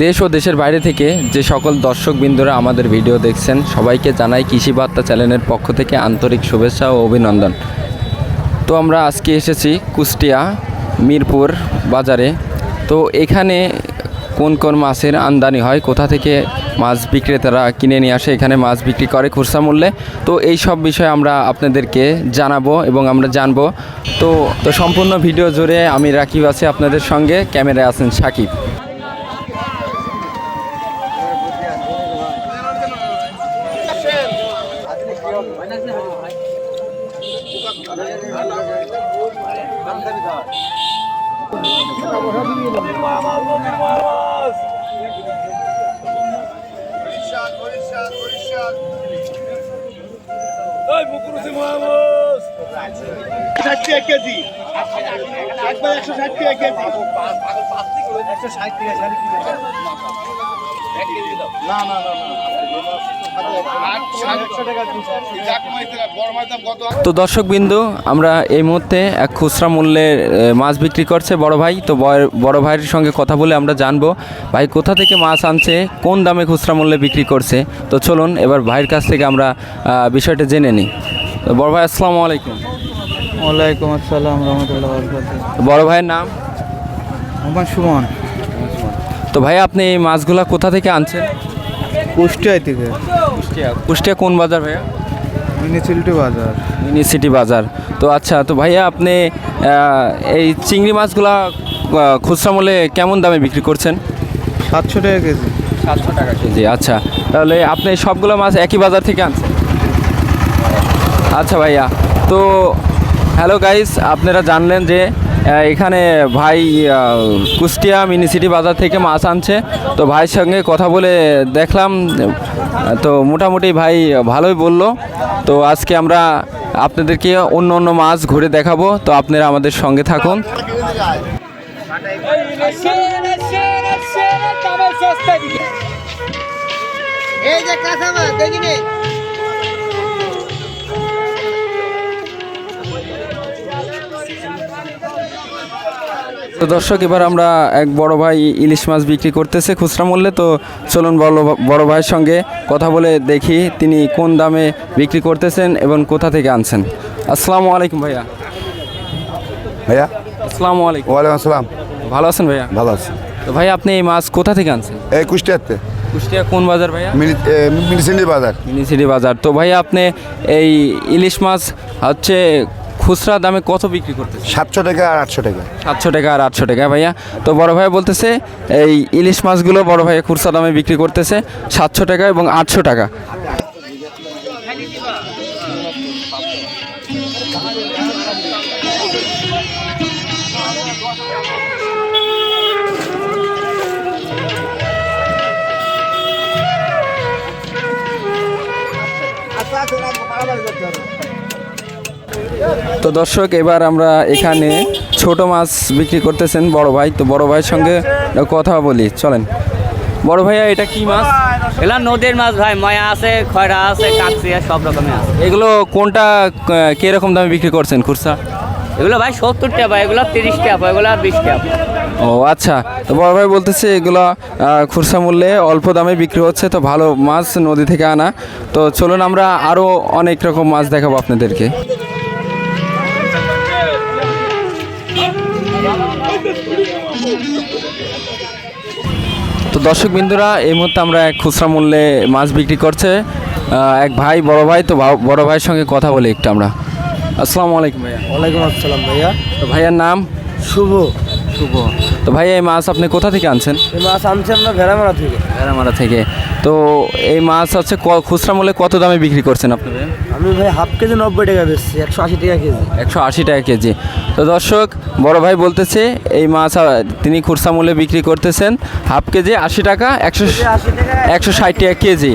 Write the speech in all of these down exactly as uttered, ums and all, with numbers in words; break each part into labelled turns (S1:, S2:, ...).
S1: দেশ ও দেশের বাইরে থেকে যে সকল দর্শকবৃন্দরা আমাদের ভিডিও দেখছেন সবাইকে জানাই কৃষি বার্তা চ্যানেলের পক্ষ থেকে আন্তরিক শুভেচ্ছা ও অভিনন্দন। তো আমরা আজকে এসেছি কুষ্টিয়া মিরপুর বাজারে। তো এখানে কোন কোন মাছের আমদানি হয়, কোথা থেকে মাছ বিক্রেতারা কিনে নিয়ে আসে এখানে মাছ বিক্রি করে খুচরা মূল্যে, তো এই সব বিষয়ে আমরা আপনাদেরকে জানাবো এবং আমরা জানবো। তো তো সম্পূর্ণ ভিডিও জুড়ে আমি রাকিব আছি আপনাদের সঙ্গে, ক্যামেরায় আছেন সাকিব।
S2: কেজি একবার একশো ষাট টাকা কেজি একশো ষাট টাকা না না না
S1: তো দর্শকবিন্দু, আমরা এই মুহূর্তে এক খুচরা মূল্যে মাছ বিক্রি করছে বড় ভাই। তো বড় ভাইয়ের সঙ্গে কথা বলে আমরা জানবো ভাই কোথা থেকে মাছ আনছে, কোন দামে খুচরা মূল্যে বিক্রি করছে। তো চলুন এবার ভাইয়ের কাছ থেকে আমরা বিষয়টা জেনে নিই। বড় ভাই আসসালামু আলাইকুম।
S3: ওয়ালাইকুম আসসালাম রহমতুল্লাহ।
S1: বড় ভাইয়ের নাম?
S3: আমার সুমন।
S1: তো ভাই আপনি এই মাছগুলা কোথা থেকে আনছেন?
S3: কুষ্টিয়া থেকে।
S1: কুষ্টিয়া কুষ্টিয়া কোন বাজার ভাইয়া?
S3: মিউনিসিপালিটি বাজার।
S1: মিউনিসিটি বাজার। তো আচ্ছা, তো ভাইয়া আপনি এই চিংড়ি মাছগুলা খুচরা মূল্যে কেমন দামে বিক্রি করছেন?
S3: সাতশো টাকা কেজি।
S1: সাতশো টাকা কেজি। আচ্ছা, তাহলে আপনি সবগুলো মাছ একই বাজার থেকে আনছেন? আচ্ছা ভাইয়া, তো হ্যালো গাইস, আপনারা জানলেন যে এখানে ভাই কুষ্টিয়া মিউনিসিটি বাজার থেকে মাছ আনছে। তো ভাইয়ের সঙ্গে কথা বলে দেখলাম, তো মোটামুটি ভাই ভালোই বলল। তো আজকে আমরা আপনাদেরকে অন্য অন্য মাছ ঘুরে দেখাবো, তো আপনারা আমাদের সঙ্গে থাকুন।
S2: এই যে কাঁচা মাছ দেখিনি।
S1: তো দর্শক, এবার আমরা এক বড় ভাই ইলিশ মাছ বিক্রি করতেছে খুচরা মূল্যে। তো চলুন বড় বড় ভাইয়ের সঙ্গে কথা বলে দেখি তিনি কোন দামে বিক্রি করতেছেন এবং কোথা থেকে আনছেন। আসসালামু আলাইকুম ভাইয়া।
S4: ভাইয়া
S1: আসসালামু আলাইকুম।
S4: ওয়ালাইকুম আসসালাম।
S1: ভালো আছেন ভাইয়া?
S4: ভালো আছি।
S1: তো ভাই আপনি এই মাছ কোথা থেকে আনছেন?
S4: এই কুষ্টিয়াতে।
S1: কুষ্টিয়া কোন বাজার ভাইয়া?
S4: মিউনিসিপালিটি বাজার।
S1: মিউনিসিটি বাজার। তো ভাইয়া আপনি এই ইলিশ মাছ হচ্ছে খুচরা দামে কত বিক্রি করতেছে?
S4: সাতশো টাকা আর আটশো টাকা।
S1: সাতশো টাকা আর আটশো টাকা ভাইয়া। তো বড় ভাই বলতেছে এই ইলিশ মাছগুলো বড় ভাই খুচরা দামে বিক্রি করতেছে সাতশো টাকা এবং আটশো টাকা। তো দর্শক, এবার আমরা এখানে ছোট মাছ বিক্রি করতেছেন বড় ভাই। তো বড় ভাইয়ের সঙ্গে কথা বলি, চলেন। বড় ভাইয়া, এটা কি মাছ?
S5: এগুলো নদীর মাছ ভাই, ময়া আছে, খয়রা আছে, কাকসিয়া, সব রকমের আছে।
S1: এগুলো কোনটা কিরকম দামে বিক্রি করছেন খুচরা?
S5: এগুলো ভাই সত্তর টাকা, এগুলো তিরিশ টাকা, এগুলো বিশ টাকা।
S1: ও আচ্ছা, তো বড় ভাই বলতেছে এগুলো খুচরা মূল্যে অল্প দামে বিক্রি হচ্ছে। তো ভালো মাছ নদী থেকে আনা। তো চলুন আমরা আরও অনেক রকম মাছ দেখাবো আপনাদেরকে। তো দর্শকবৃন্দুরা, এই মুহূর্তে আমরা এক খুচরা মূল্যে মাছ বিক্রি করছে এক ভাই বড় ভাই। তো বড় ভাইয়ের সঙ্গে কথা বলি একটু আমরা। আসসালামু আলাইকুম ভাইয়া।
S3: ওয়ালাইকুম আসসালাম ভাইয়া।
S1: তো ভাইয়ার নাম?
S3: শুভ।
S1: শুভ। তো ভাইয়া এই মাছ আপনি কোথা থেকে আনছেন?
S3: এই মাছ আনছি আমরা ভেড়ামারা থেকে।
S1: ভেড়ামারা থেকে। তো এই মাছ হচ্ছে খুচরা মূল্যে কত দামে বিক্রি করছেন আপনি?
S3: আমি ভাই হাফ কেজি নব্বই টাকা বেচছি, একশো আশি টাকা কেজি।
S1: একশো আশি টাকা কেজি। তো দর্শক, বড় ভাই বলতেছে এই মাছ তিনি খুচরা মূল্যে বিক্রি করতেছেন হাফ কেজি আশি টাকা, একশো একশো ষাট টাকা কেজি।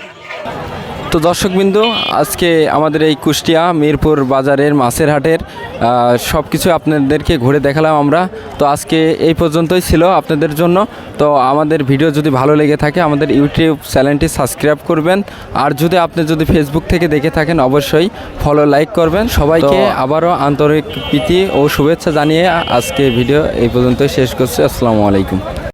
S1: তো দর্শকবিন্দু, আজকে আমাদের এই কুষ্টিয়া মিরপুর বাজারের মাছের হাটের সব কিছু আপনাদেরকে ঘুরে দেখালাম আমরা। তো আজকে এই পর্যন্তই ছিল আপনাদের জন্য। তো আমাদের ভিডিও যদি ভালো লেগে থাকে আমাদের ইউটিউব চ্যানেলটি সাবস্ক্রাইব করবেন, আর যদি আপনি যদি ফেসবুক থেকে দেখে থাকেন অবশ্যই ফলো লাইক করবেন। সবাইকে আবারও আন্তরিক প্রীতি ও শুভেচ্ছা জানিয়ে আজকে ভিডিও এই পর্যন্তই শেষ করছি। আসসালামু আলাইকুম।